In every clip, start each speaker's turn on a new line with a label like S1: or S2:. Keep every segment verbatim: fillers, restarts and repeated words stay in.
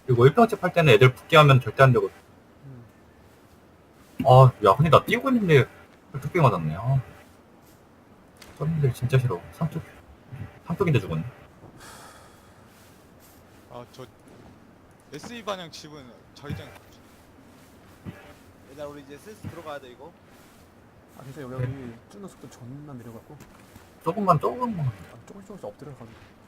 S1: 그리고 일 평집 할 때는 애들 붙게 하면 절대 안 되거든.
S2: 음.
S1: 아, 야, 근데 나 뛰고 있는데 뚝배기 맞았네. 아, 썸들 진짜 싫어. 삼뚝, 삼뚝인데 죽었네.
S3: 아 저 에스이 반향 집은 자기장.
S4: 얘들아 우리 이제 슬슬 들어가야 돼 이거.
S2: 아 진짜 여기, 여기 쭈는 속도 존나 느려갖고
S1: 조금만, 조금만.
S2: 아, 조금씩 조금씩 엎드려가지고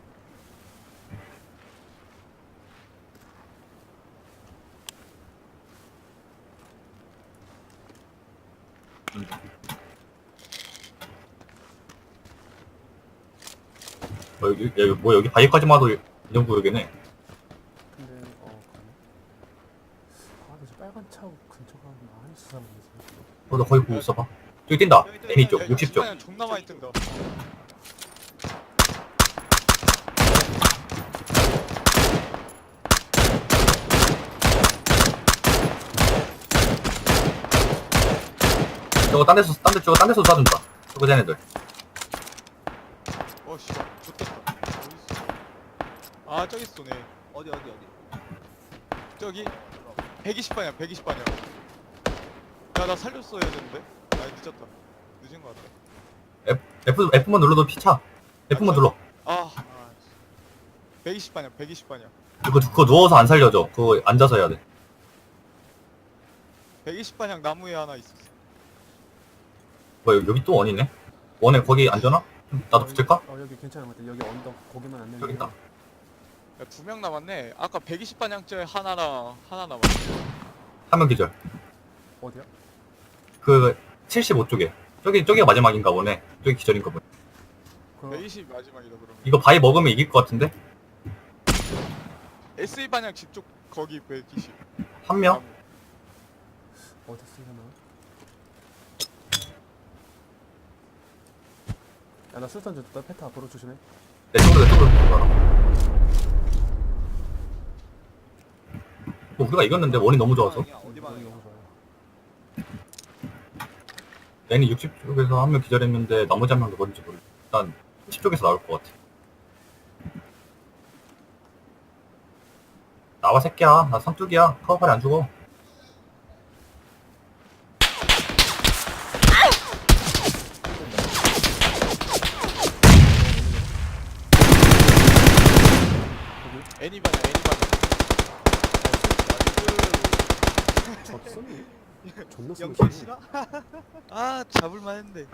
S1: 뭐 여기, 여기, 뭐 여기 바위까지만 와도 이 정도 여기네.
S2: 근데 어 가네. 아 근데 저 빨간 차 근처가 많이 수상해서
S1: 어, 너 거기 보고 있어봐. 저기 뛴다. 애니 쪽, 육십 쪽.
S3: 반향 존나 많이 뜬다.
S1: 저거 딴 데서, 딴 데, 저거 딴 데서 쏴준다. 저거 쟤네들.
S3: 어씨 좋겠다. 어디 있어? 아 저기 쏘네.
S4: 어디 어디 어디.
S3: 저기 백이십 반향 백이십 반향. 야나 살렸어야 되는데. 아 늦었다. 늦은 거 같아.
S1: F, F만 눌러도 피차. F만 눌러.
S3: 아, 아 백이십 반향 백이십 반향.
S1: 그거, 그거 누워서 안 살려줘. 그거 앉아서 해야 돼.
S3: 백이십 반향 나무에 하나 있었어.
S1: 뭐 여기, 여기 또 원이네? 원에 거기 앉아나? 나도 붙을까?
S2: 어 여기 괜찮은 것 같아. 여기 언덕 거기만 안 내면
S1: 여기 있다.
S3: 두 명 남았네. 아까 백이십 반향째 하나랑 하나 남았어.
S1: 한 명 기절.
S2: 어디야?
S1: 그 칠십오 쪽에. 저기, 저기가 마지막인가 보네. 저기 기절인가 보네.
S2: 그
S3: 백이십 마지막이다 그러면.
S1: 이거 바위 먹으면 이길 것 같은데?
S3: 에스이 반향 집 쪽 거기 백이십.
S1: 한 명?
S2: 어디 쓰려나? 야나 술탄 줬다. 페타 앞으로 조심해.
S1: 내 쪽으로, 내 쪽으로. 가라. 뭐 우리가 이겼는데 원이 너무 좋아서.
S4: 방향이야? 어디
S2: 여기
S4: 방향이야?
S2: 너무 좋아요.
S1: 애니 육십 쪽에서 한 명 기절했는데 나머지 한 명도 어딘지 모르겠어. 일단 십 쪽에서 나올 것 같아. 나와 새끼야. 나 삼뚝이야. 카우팔이 안 죽어.
S3: 애니 반향 애니 반향.
S2: 졌어? 존나
S4: 연킬
S2: 쏘네.
S4: 싫어?
S3: 아 잡을만 했는데.